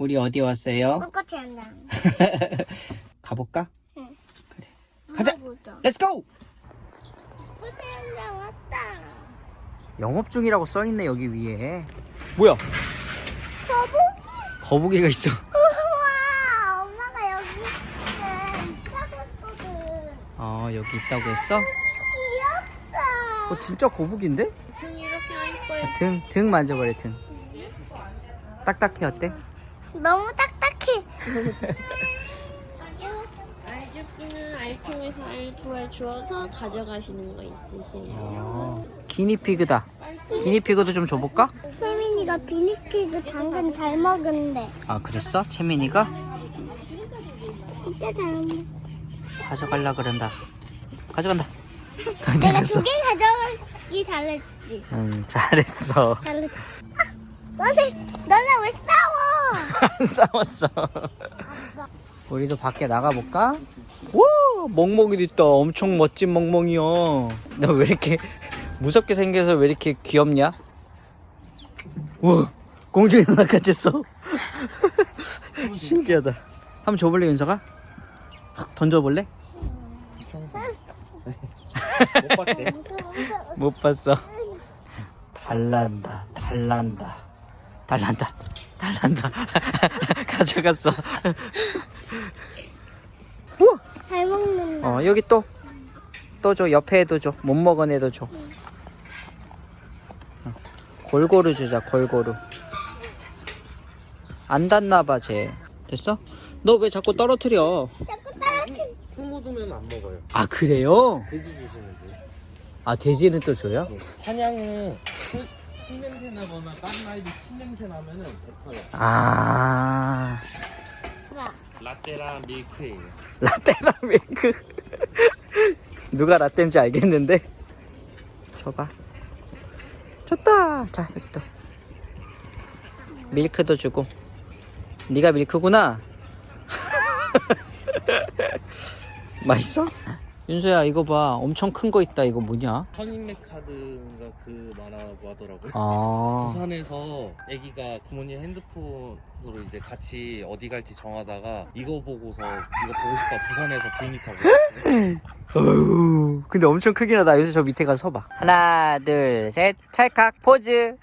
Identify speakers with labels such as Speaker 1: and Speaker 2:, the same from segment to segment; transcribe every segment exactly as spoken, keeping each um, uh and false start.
Speaker 1: 우리 어디 왔어요?
Speaker 2: 꽃꽃이 한다.
Speaker 1: 가볼까?
Speaker 2: 응.
Speaker 1: 그래. 가자.
Speaker 2: 보자.
Speaker 1: 렛츠 고!
Speaker 2: 꽃꽃이 한다 왔다.
Speaker 1: 영업 중이라고 써있네 여기 위에. 뭐야?
Speaker 2: 거북이?
Speaker 1: 거북이가 있어.
Speaker 2: 우와, 엄마가 여기 있다고 했거든.
Speaker 1: 어 여기 있다고 했어?
Speaker 2: 귀엽다.
Speaker 1: 어 진짜 거북인데?
Speaker 2: 등이 이렇게 할 거야.
Speaker 1: 등, 등 만져버려 등. 딱딱해 어때?
Speaker 2: 너무 딱딱해. 알주기는 알통에서 알 두 알 주워서 가져가시는 거 있으세요?
Speaker 1: 어, 기니피그다. 기니피그도 좀 줘볼까?
Speaker 2: 세민이가 비니피그 당근 잘 먹은데.
Speaker 1: 아 그랬어? 채민이가?
Speaker 2: 진짜 잘 먹는데.
Speaker 1: 가져갈라 그런다. 가져간다.
Speaker 2: 내가
Speaker 1: 가져갔어.
Speaker 2: 두 개 가져가기 잘했지.
Speaker 1: 응 잘했어.
Speaker 2: 잘했지. 아, 너네, 너네 왜 싸워?
Speaker 1: 안 싸웠어. 우리도 밖에 나가볼까? 와 멍멍이도 있다. 엄청 멋진 멍멍이야. 너 왜 이렇게 무섭게 생겨서 왜 이렇게 귀엽냐? 우와 공중에 날아갔어. 신기하다. 한번 줘볼래 윤서가? 확 던져볼래?
Speaker 3: 못 봤대.
Speaker 1: 못 봤어. 달란다 달란다 달란다 달란다. 가져갔어. 우와.
Speaker 2: 잘 먹는다.
Speaker 1: 어 여기 또 또 줘. 옆에 애도 줘. 못 먹은 애도 줘. 어, 골고루 주자. 골고루. 안 닿나봐 쟤. 됐어? 너 왜 자꾸 떨어뜨려?
Speaker 2: 자꾸 떨어뜨려.
Speaker 3: 흙 묻으면 안 먹어요.
Speaker 1: 아 그래요?
Speaker 3: 돼지 주시면 돼요.
Speaker 1: 아 돼지는 또 줘요?
Speaker 3: 사냥은 흙, 흙 냄새 나거나 다른 아이들 침 냄새 나면은 뱉어요.
Speaker 1: 아
Speaker 3: 라떼랑 밀크예요.
Speaker 1: 라떼랑 밀크. 누가 라떼인지 알겠는데. 줘봐. 줬다. 자 여기 또 밀크도 주고. 네가 밀크구나. 맛있어? 윤서야 이거 봐. 엄청 큰 거 있다. 이거 뭐냐?
Speaker 3: 선인맥카드인가 그 만화라고 하더라고요.
Speaker 1: 아
Speaker 3: 부산에서 아기가 부모님 핸드폰으로 이제 같이 어디 갈지 정하다가 이거 보고서 이거 보고 싶다 부산에서 비행기 타고 왔어요.
Speaker 1: 어휴, 근데 엄청 크긴 하다. 윤서 저 밑에 가서 서봐. 하나 둘 셋 찰칵 포즈.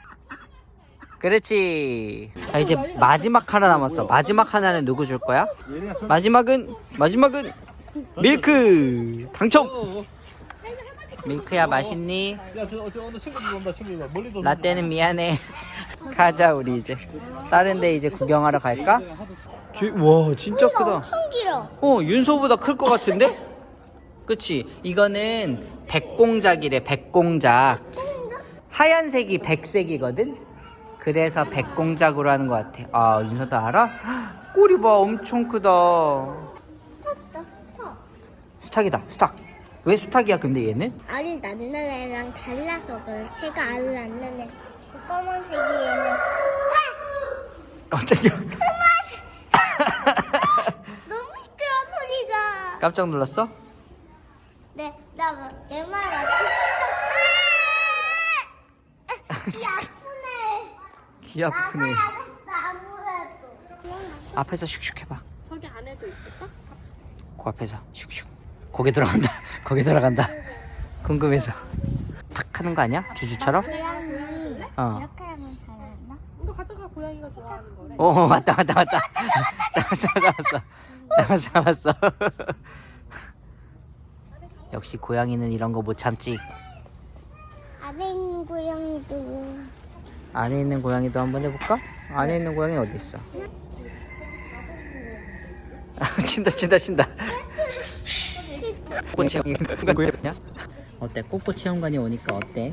Speaker 1: 그렇지. 자 이제 마지막 하나 남았어. 마지막 하나는 누구 줄 거야? 마지막은 마지막은 밀크 당첨. 밀크야 맛있니?
Speaker 3: 야, 저, 저 오늘 친구들 온다, 친구들. 멀리도
Speaker 1: 라떼는 미안해. 가자 우리 이제. 다른 데 이제 구경하러 갈까? 와 진짜 크다.
Speaker 2: 엄청 길어.
Speaker 1: 어 윤소보다 클 것 같은데? 그치? 이거는 백공작이래. 백공작. 하얀색이 백색이거든? 그래서 백공작으로 하는 것 같아. 아 윤서도 알아? 헉, 꼬리 봐 엄청 크다.
Speaker 2: 탔다. 타.
Speaker 1: 수탉이다 수탉. 왜 수탉이야 근데 얘는?
Speaker 2: 알을 낳는 애랑 달라서 그래. 제가 알을 낳는 애. 그 검은색이 얘는.
Speaker 1: 깜짝이야.
Speaker 2: 너무 시끄러워 소리가.
Speaker 1: 깜짝 놀랐어?
Speaker 2: 네, 나내 말 맞지? 아! 아프네.
Speaker 1: 귀 아프네.
Speaker 2: 나가야겠어 아무래도.
Speaker 1: 앞에서 슉슉 해봐.
Speaker 2: 저기 안에도 있을까?
Speaker 1: 그 앞에서 슉슉. 거기 들어간다. 거기 들어간다. 궁금해서. 탁 하는 거 아니야? 주주처럼?
Speaker 2: 고양이
Speaker 1: 어.
Speaker 2: 이렇게 하면 잘했나?
Speaker 4: 너 가져가 고양이가 좋아하는 거래.
Speaker 1: 어 맞다 맞다 맞다. 잡았어 잡았어. 잡았어 잡았어. 역시 고양이는 이런 거 못 참지.
Speaker 2: 안에 있는 고양이도.
Speaker 1: 안에 있는 고양이도 한번 해볼까? 안에 있는 고양이 어디 있어? 친다 친다 친다. 꽃 체험관 어때? 꽃꽃 체험관이 오니까 어때?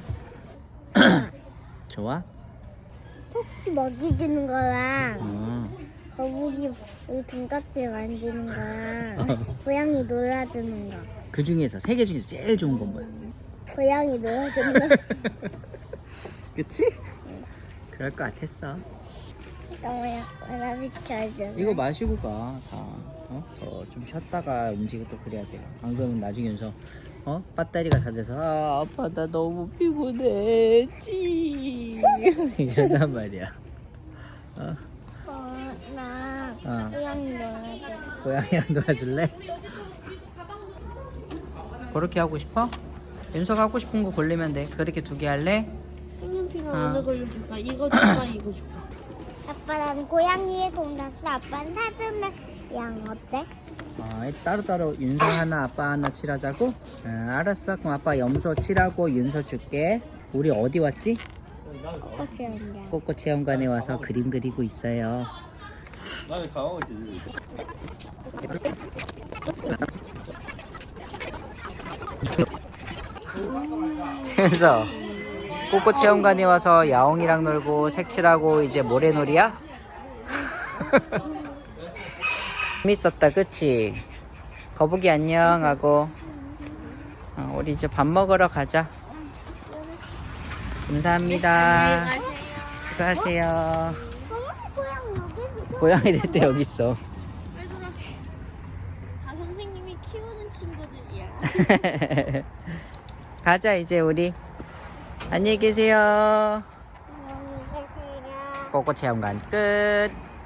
Speaker 1: 좋아?
Speaker 2: 토끼 먹이 주는 거랑
Speaker 1: 어.
Speaker 2: 거북이 이 등껍질 만지는 거랑 고양이 놀아주는 거.
Speaker 1: 그 중에서 세 개 중에서 제일 좋은 건 뭐야?
Speaker 2: 고양이 놀아주는 거.
Speaker 1: 그치? 그럴 것 같았어.
Speaker 2: 너무 약간 비켜줘.
Speaker 1: 이거 마시고 가, 다. 어? 더 좀 쉬었다가 움직이고 또 그래야 돼. 안 그러면 나중에 윤서, 어? 배터리가 다 돼서, 아, 아빠, 나 너무 피곤해. 찌. 이런단 말이야. 어?
Speaker 2: 어, 나
Speaker 1: 고양이랑 놀아줄래? 그렇게 하고 싶어? 윤서가 하고 싶은 거 고르면 돼. 그렇게 두 개 할래?
Speaker 4: 색연필은
Speaker 1: 어.
Speaker 4: 어느 걸로 줄까? 이거 줄까? 이거 줄까?
Speaker 2: 아빠 난 고양이의 공 났어. 아빠는 사슴의 양 어때?
Speaker 1: 어, 따로따로 윤서 하나 아빠 하나 칠하자고? 어, 알았어. 그럼 아빠 염소 칠하고 윤서 줄게. 우리 어디 왔지?
Speaker 2: 꽃이 언제?
Speaker 1: 꽃꽃 체험관에 와서 그림 그리고 있어요.
Speaker 5: 나는 강하고 있지.
Speaker 1: 그래서 꽃꽃 체험관에 와서 야옹이랑 놀고 색칠하고 이제 모래놀이야? 재밌었다 그치? 거북이 안녕 하고 어, 우리 이제 밥 먹으러 가자. 감사합니다. 수고하세요.
Speaker 2: 어머 고양이 여기
Speaker 1: 고양이들도 여기 있어.
Speaker 4: 얘들아, 다 선생님이 키우는 친구들이야.
Speaker 1: 가자 이제 우리. 안녕히 계세요.
Speaker 2: 고양이 계세요.
Speaker 1: 꽃꽃 체험관 끝.